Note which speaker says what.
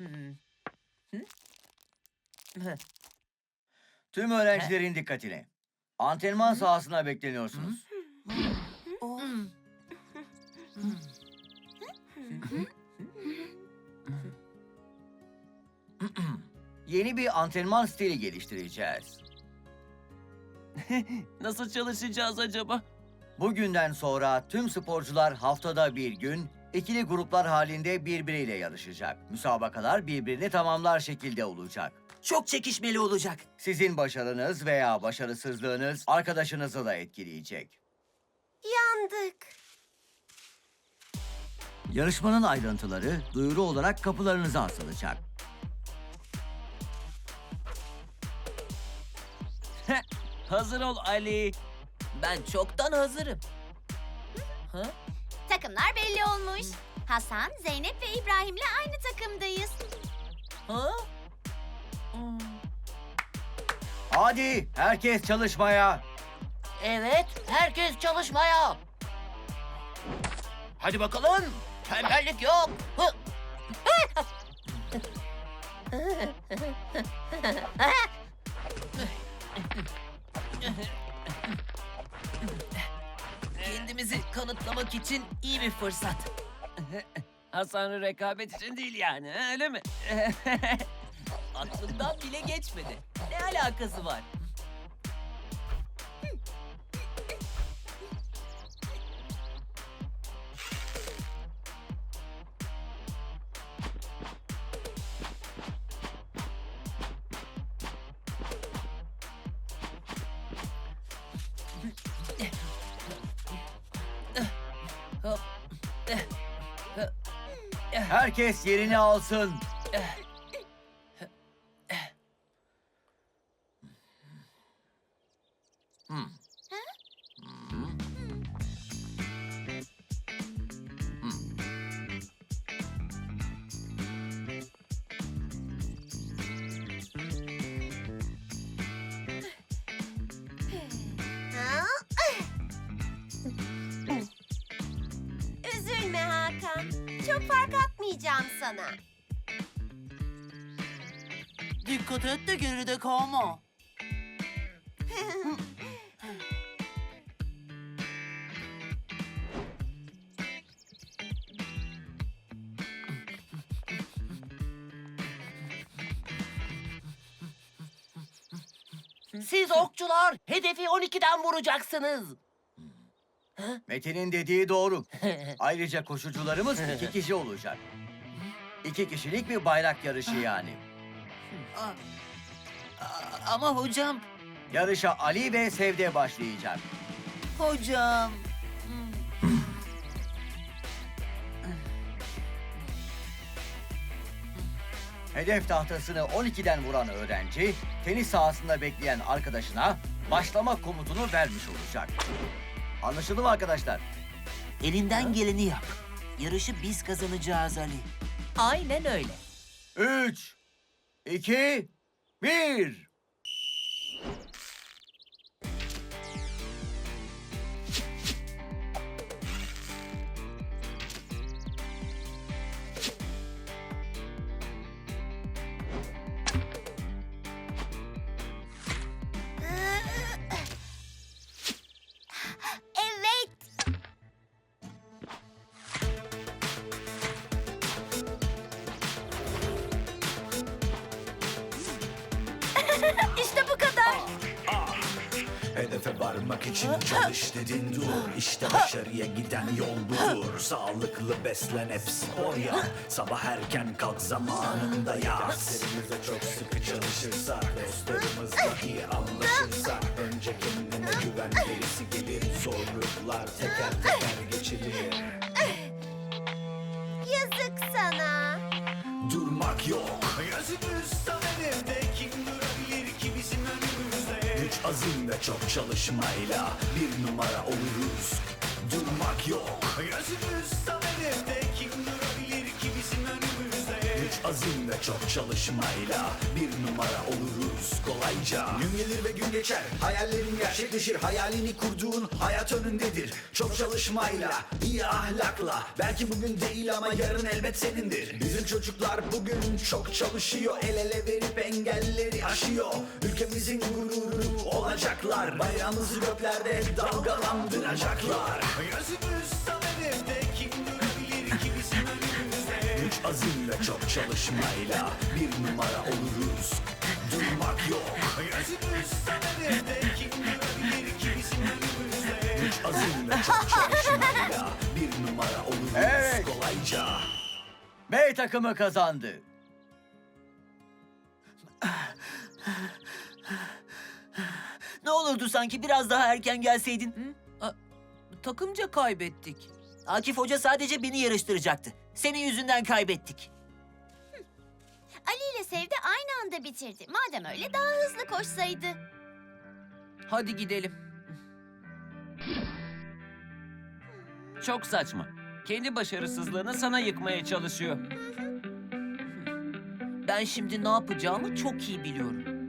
Speaker 1: Tüm öğrencilerin dikkatine. Antrenman sahasına bekleniyorsunuz. Yeni bir antrenman stili geliştireceğiz.
Speaker 2: Nasıl çalışacağız acaba?
Speaker 1: Bugünden sonra tüm sporcular haftada bir gün ikili gruplar halinde birbiriyle yarışacak. Müsabakalar birbirini tamamlar şekilde olacak.
Speaker 3: Çok çekişmeli olacak.
Speaker 1: Sizin başarınız veya başarısızlığınız arkadaşınızı da etkileyecek.
Speaker 4: Yandık.
Speaker 1: Yarışmanın ayrıntıları duyuru olarak kapılarınıza asılacak.
Speaker 2: Hazır ol Ali.
Speaker 3: Ben çoktan hazırım.
Speaker 4: Takımlar belli olmuş. Hasan, Zeynep ve İbrahim'le aynı takımdayız.
Speaker 3: Ha?
Speaker 1: Hadi herkes çalışmaya.
Speaker 3: Evet, herkes çalışmaya. Hadi bakalım. Tembellik yok. Kendimizi kanıtlamak için iyi bir fırsat.
Speaker 2: Hasan'ın rekabet için değil yani, öyle mi?
Speaker 3: Aklımdan bile geçmedi. Ne alakası var?
Speaker 1: Herkes yerini alsın.
Speaker 4: Üzülme Hakan. Çok fark atmayacağım sana.
Speaker 5: Dikkat et de geride kalma.
Speaker 3: Siz okçular hedefi 12'den vuracaksınız.
Speaker 1: Metin'in dediği doğru. Ayrıca koşucularımız 2 kişi olacak. 2 kişilik bir bayrak yarışı yani.
Speaker 5: Ama hocam,
Speaker 1: Yarışa Ali ve Sevde başlayacak.
Speaker 5: hocam.
Speaker 1: Hedef tahtasını 12'den vuran öğrenci, tenis sahasında bekleyen arkadaşına başlama komutunu vermiş olacak. Anlaşıldı mı arkadaşlar?
Speaker 5: Elinden geleni yap. Yarışı biz kazanacağız Ali.
Speaker 3: Aynen öyle.
Speaker 1: 3, 2, 1.
Speaker 4: Evet. İşte bu kadar.
Speaker 6: Hedefe varmak için çalış dedin dur. İşte başarıya giden yol budur. Sağlıklı beslen hep spor yap. Sabah erken kalk zamanında yat. Derslerimize çok sıkı çalışırsak, dostlarımızla iyi anlaşırsak, önce kendine güven gerisi gelir. Zorluklar teker teker geçilir.
Speaker 4: Yazık sana.
Speaker 6: Durmak yok. Gözümüz tam hedefte, kim durabilir ki bizim önümüzde? Güç, azim ve çok çalışmayla bir numara oluruz. Durmak yok. Gözümüz tam hedefte, kim durabilir ki bizim önümüzde? Güç, azim ve çok çalışmayla bir numara oluruz kolayca. Gün gelir ve gün geçer, hayallerin gerçekleşir. Hayalini kurduğun hayat önündedir. Çok çalışmayla, iyi ahlakla, belki bugün değil ama yarın elbet senindir. Bizim çocuklar bugün çok çalışıyor, el ele verip engelleri aşıyor. Ülkemizin gururu olacaklar, bayrağımızı göklerde dalgalandıracaklar. Gözümüz tam hedefte, kim durabilir ki bizim önümüzde? Güç, azim ve çok çalışmayla bir numara oluruz. Durmak yok. Gözümüz tam hedefte, kim durabilir ki bizim önümüzde? Güç, azim ve çok çalışmayla bir numara oluruz
Speaker 1: Evet.
Speaker 6: kolayca.
Speaker 1: B takımı kazandı.
Speaker 5: Ne olurdu sanki biraz daha erken gelseydin?
Speaker 3: Takımca kaybettik.
Speaker 5: Akif Hoca sadece beni yarıştıracaktı. Senin yüzünden kaybettik.
Speaker 4: Ali ile Sevde aynı anda bitirdi. Madem öyle daha hızlı koşsaydı.
Speaker 3: Hadi gidelim.
Speaker 2: Çok saçma. Kendi başarısızlığını sana yıkmaya çalışıyor.
Speaker 3: Ben şimdi ne yapacağımı çok iyi biliyorum.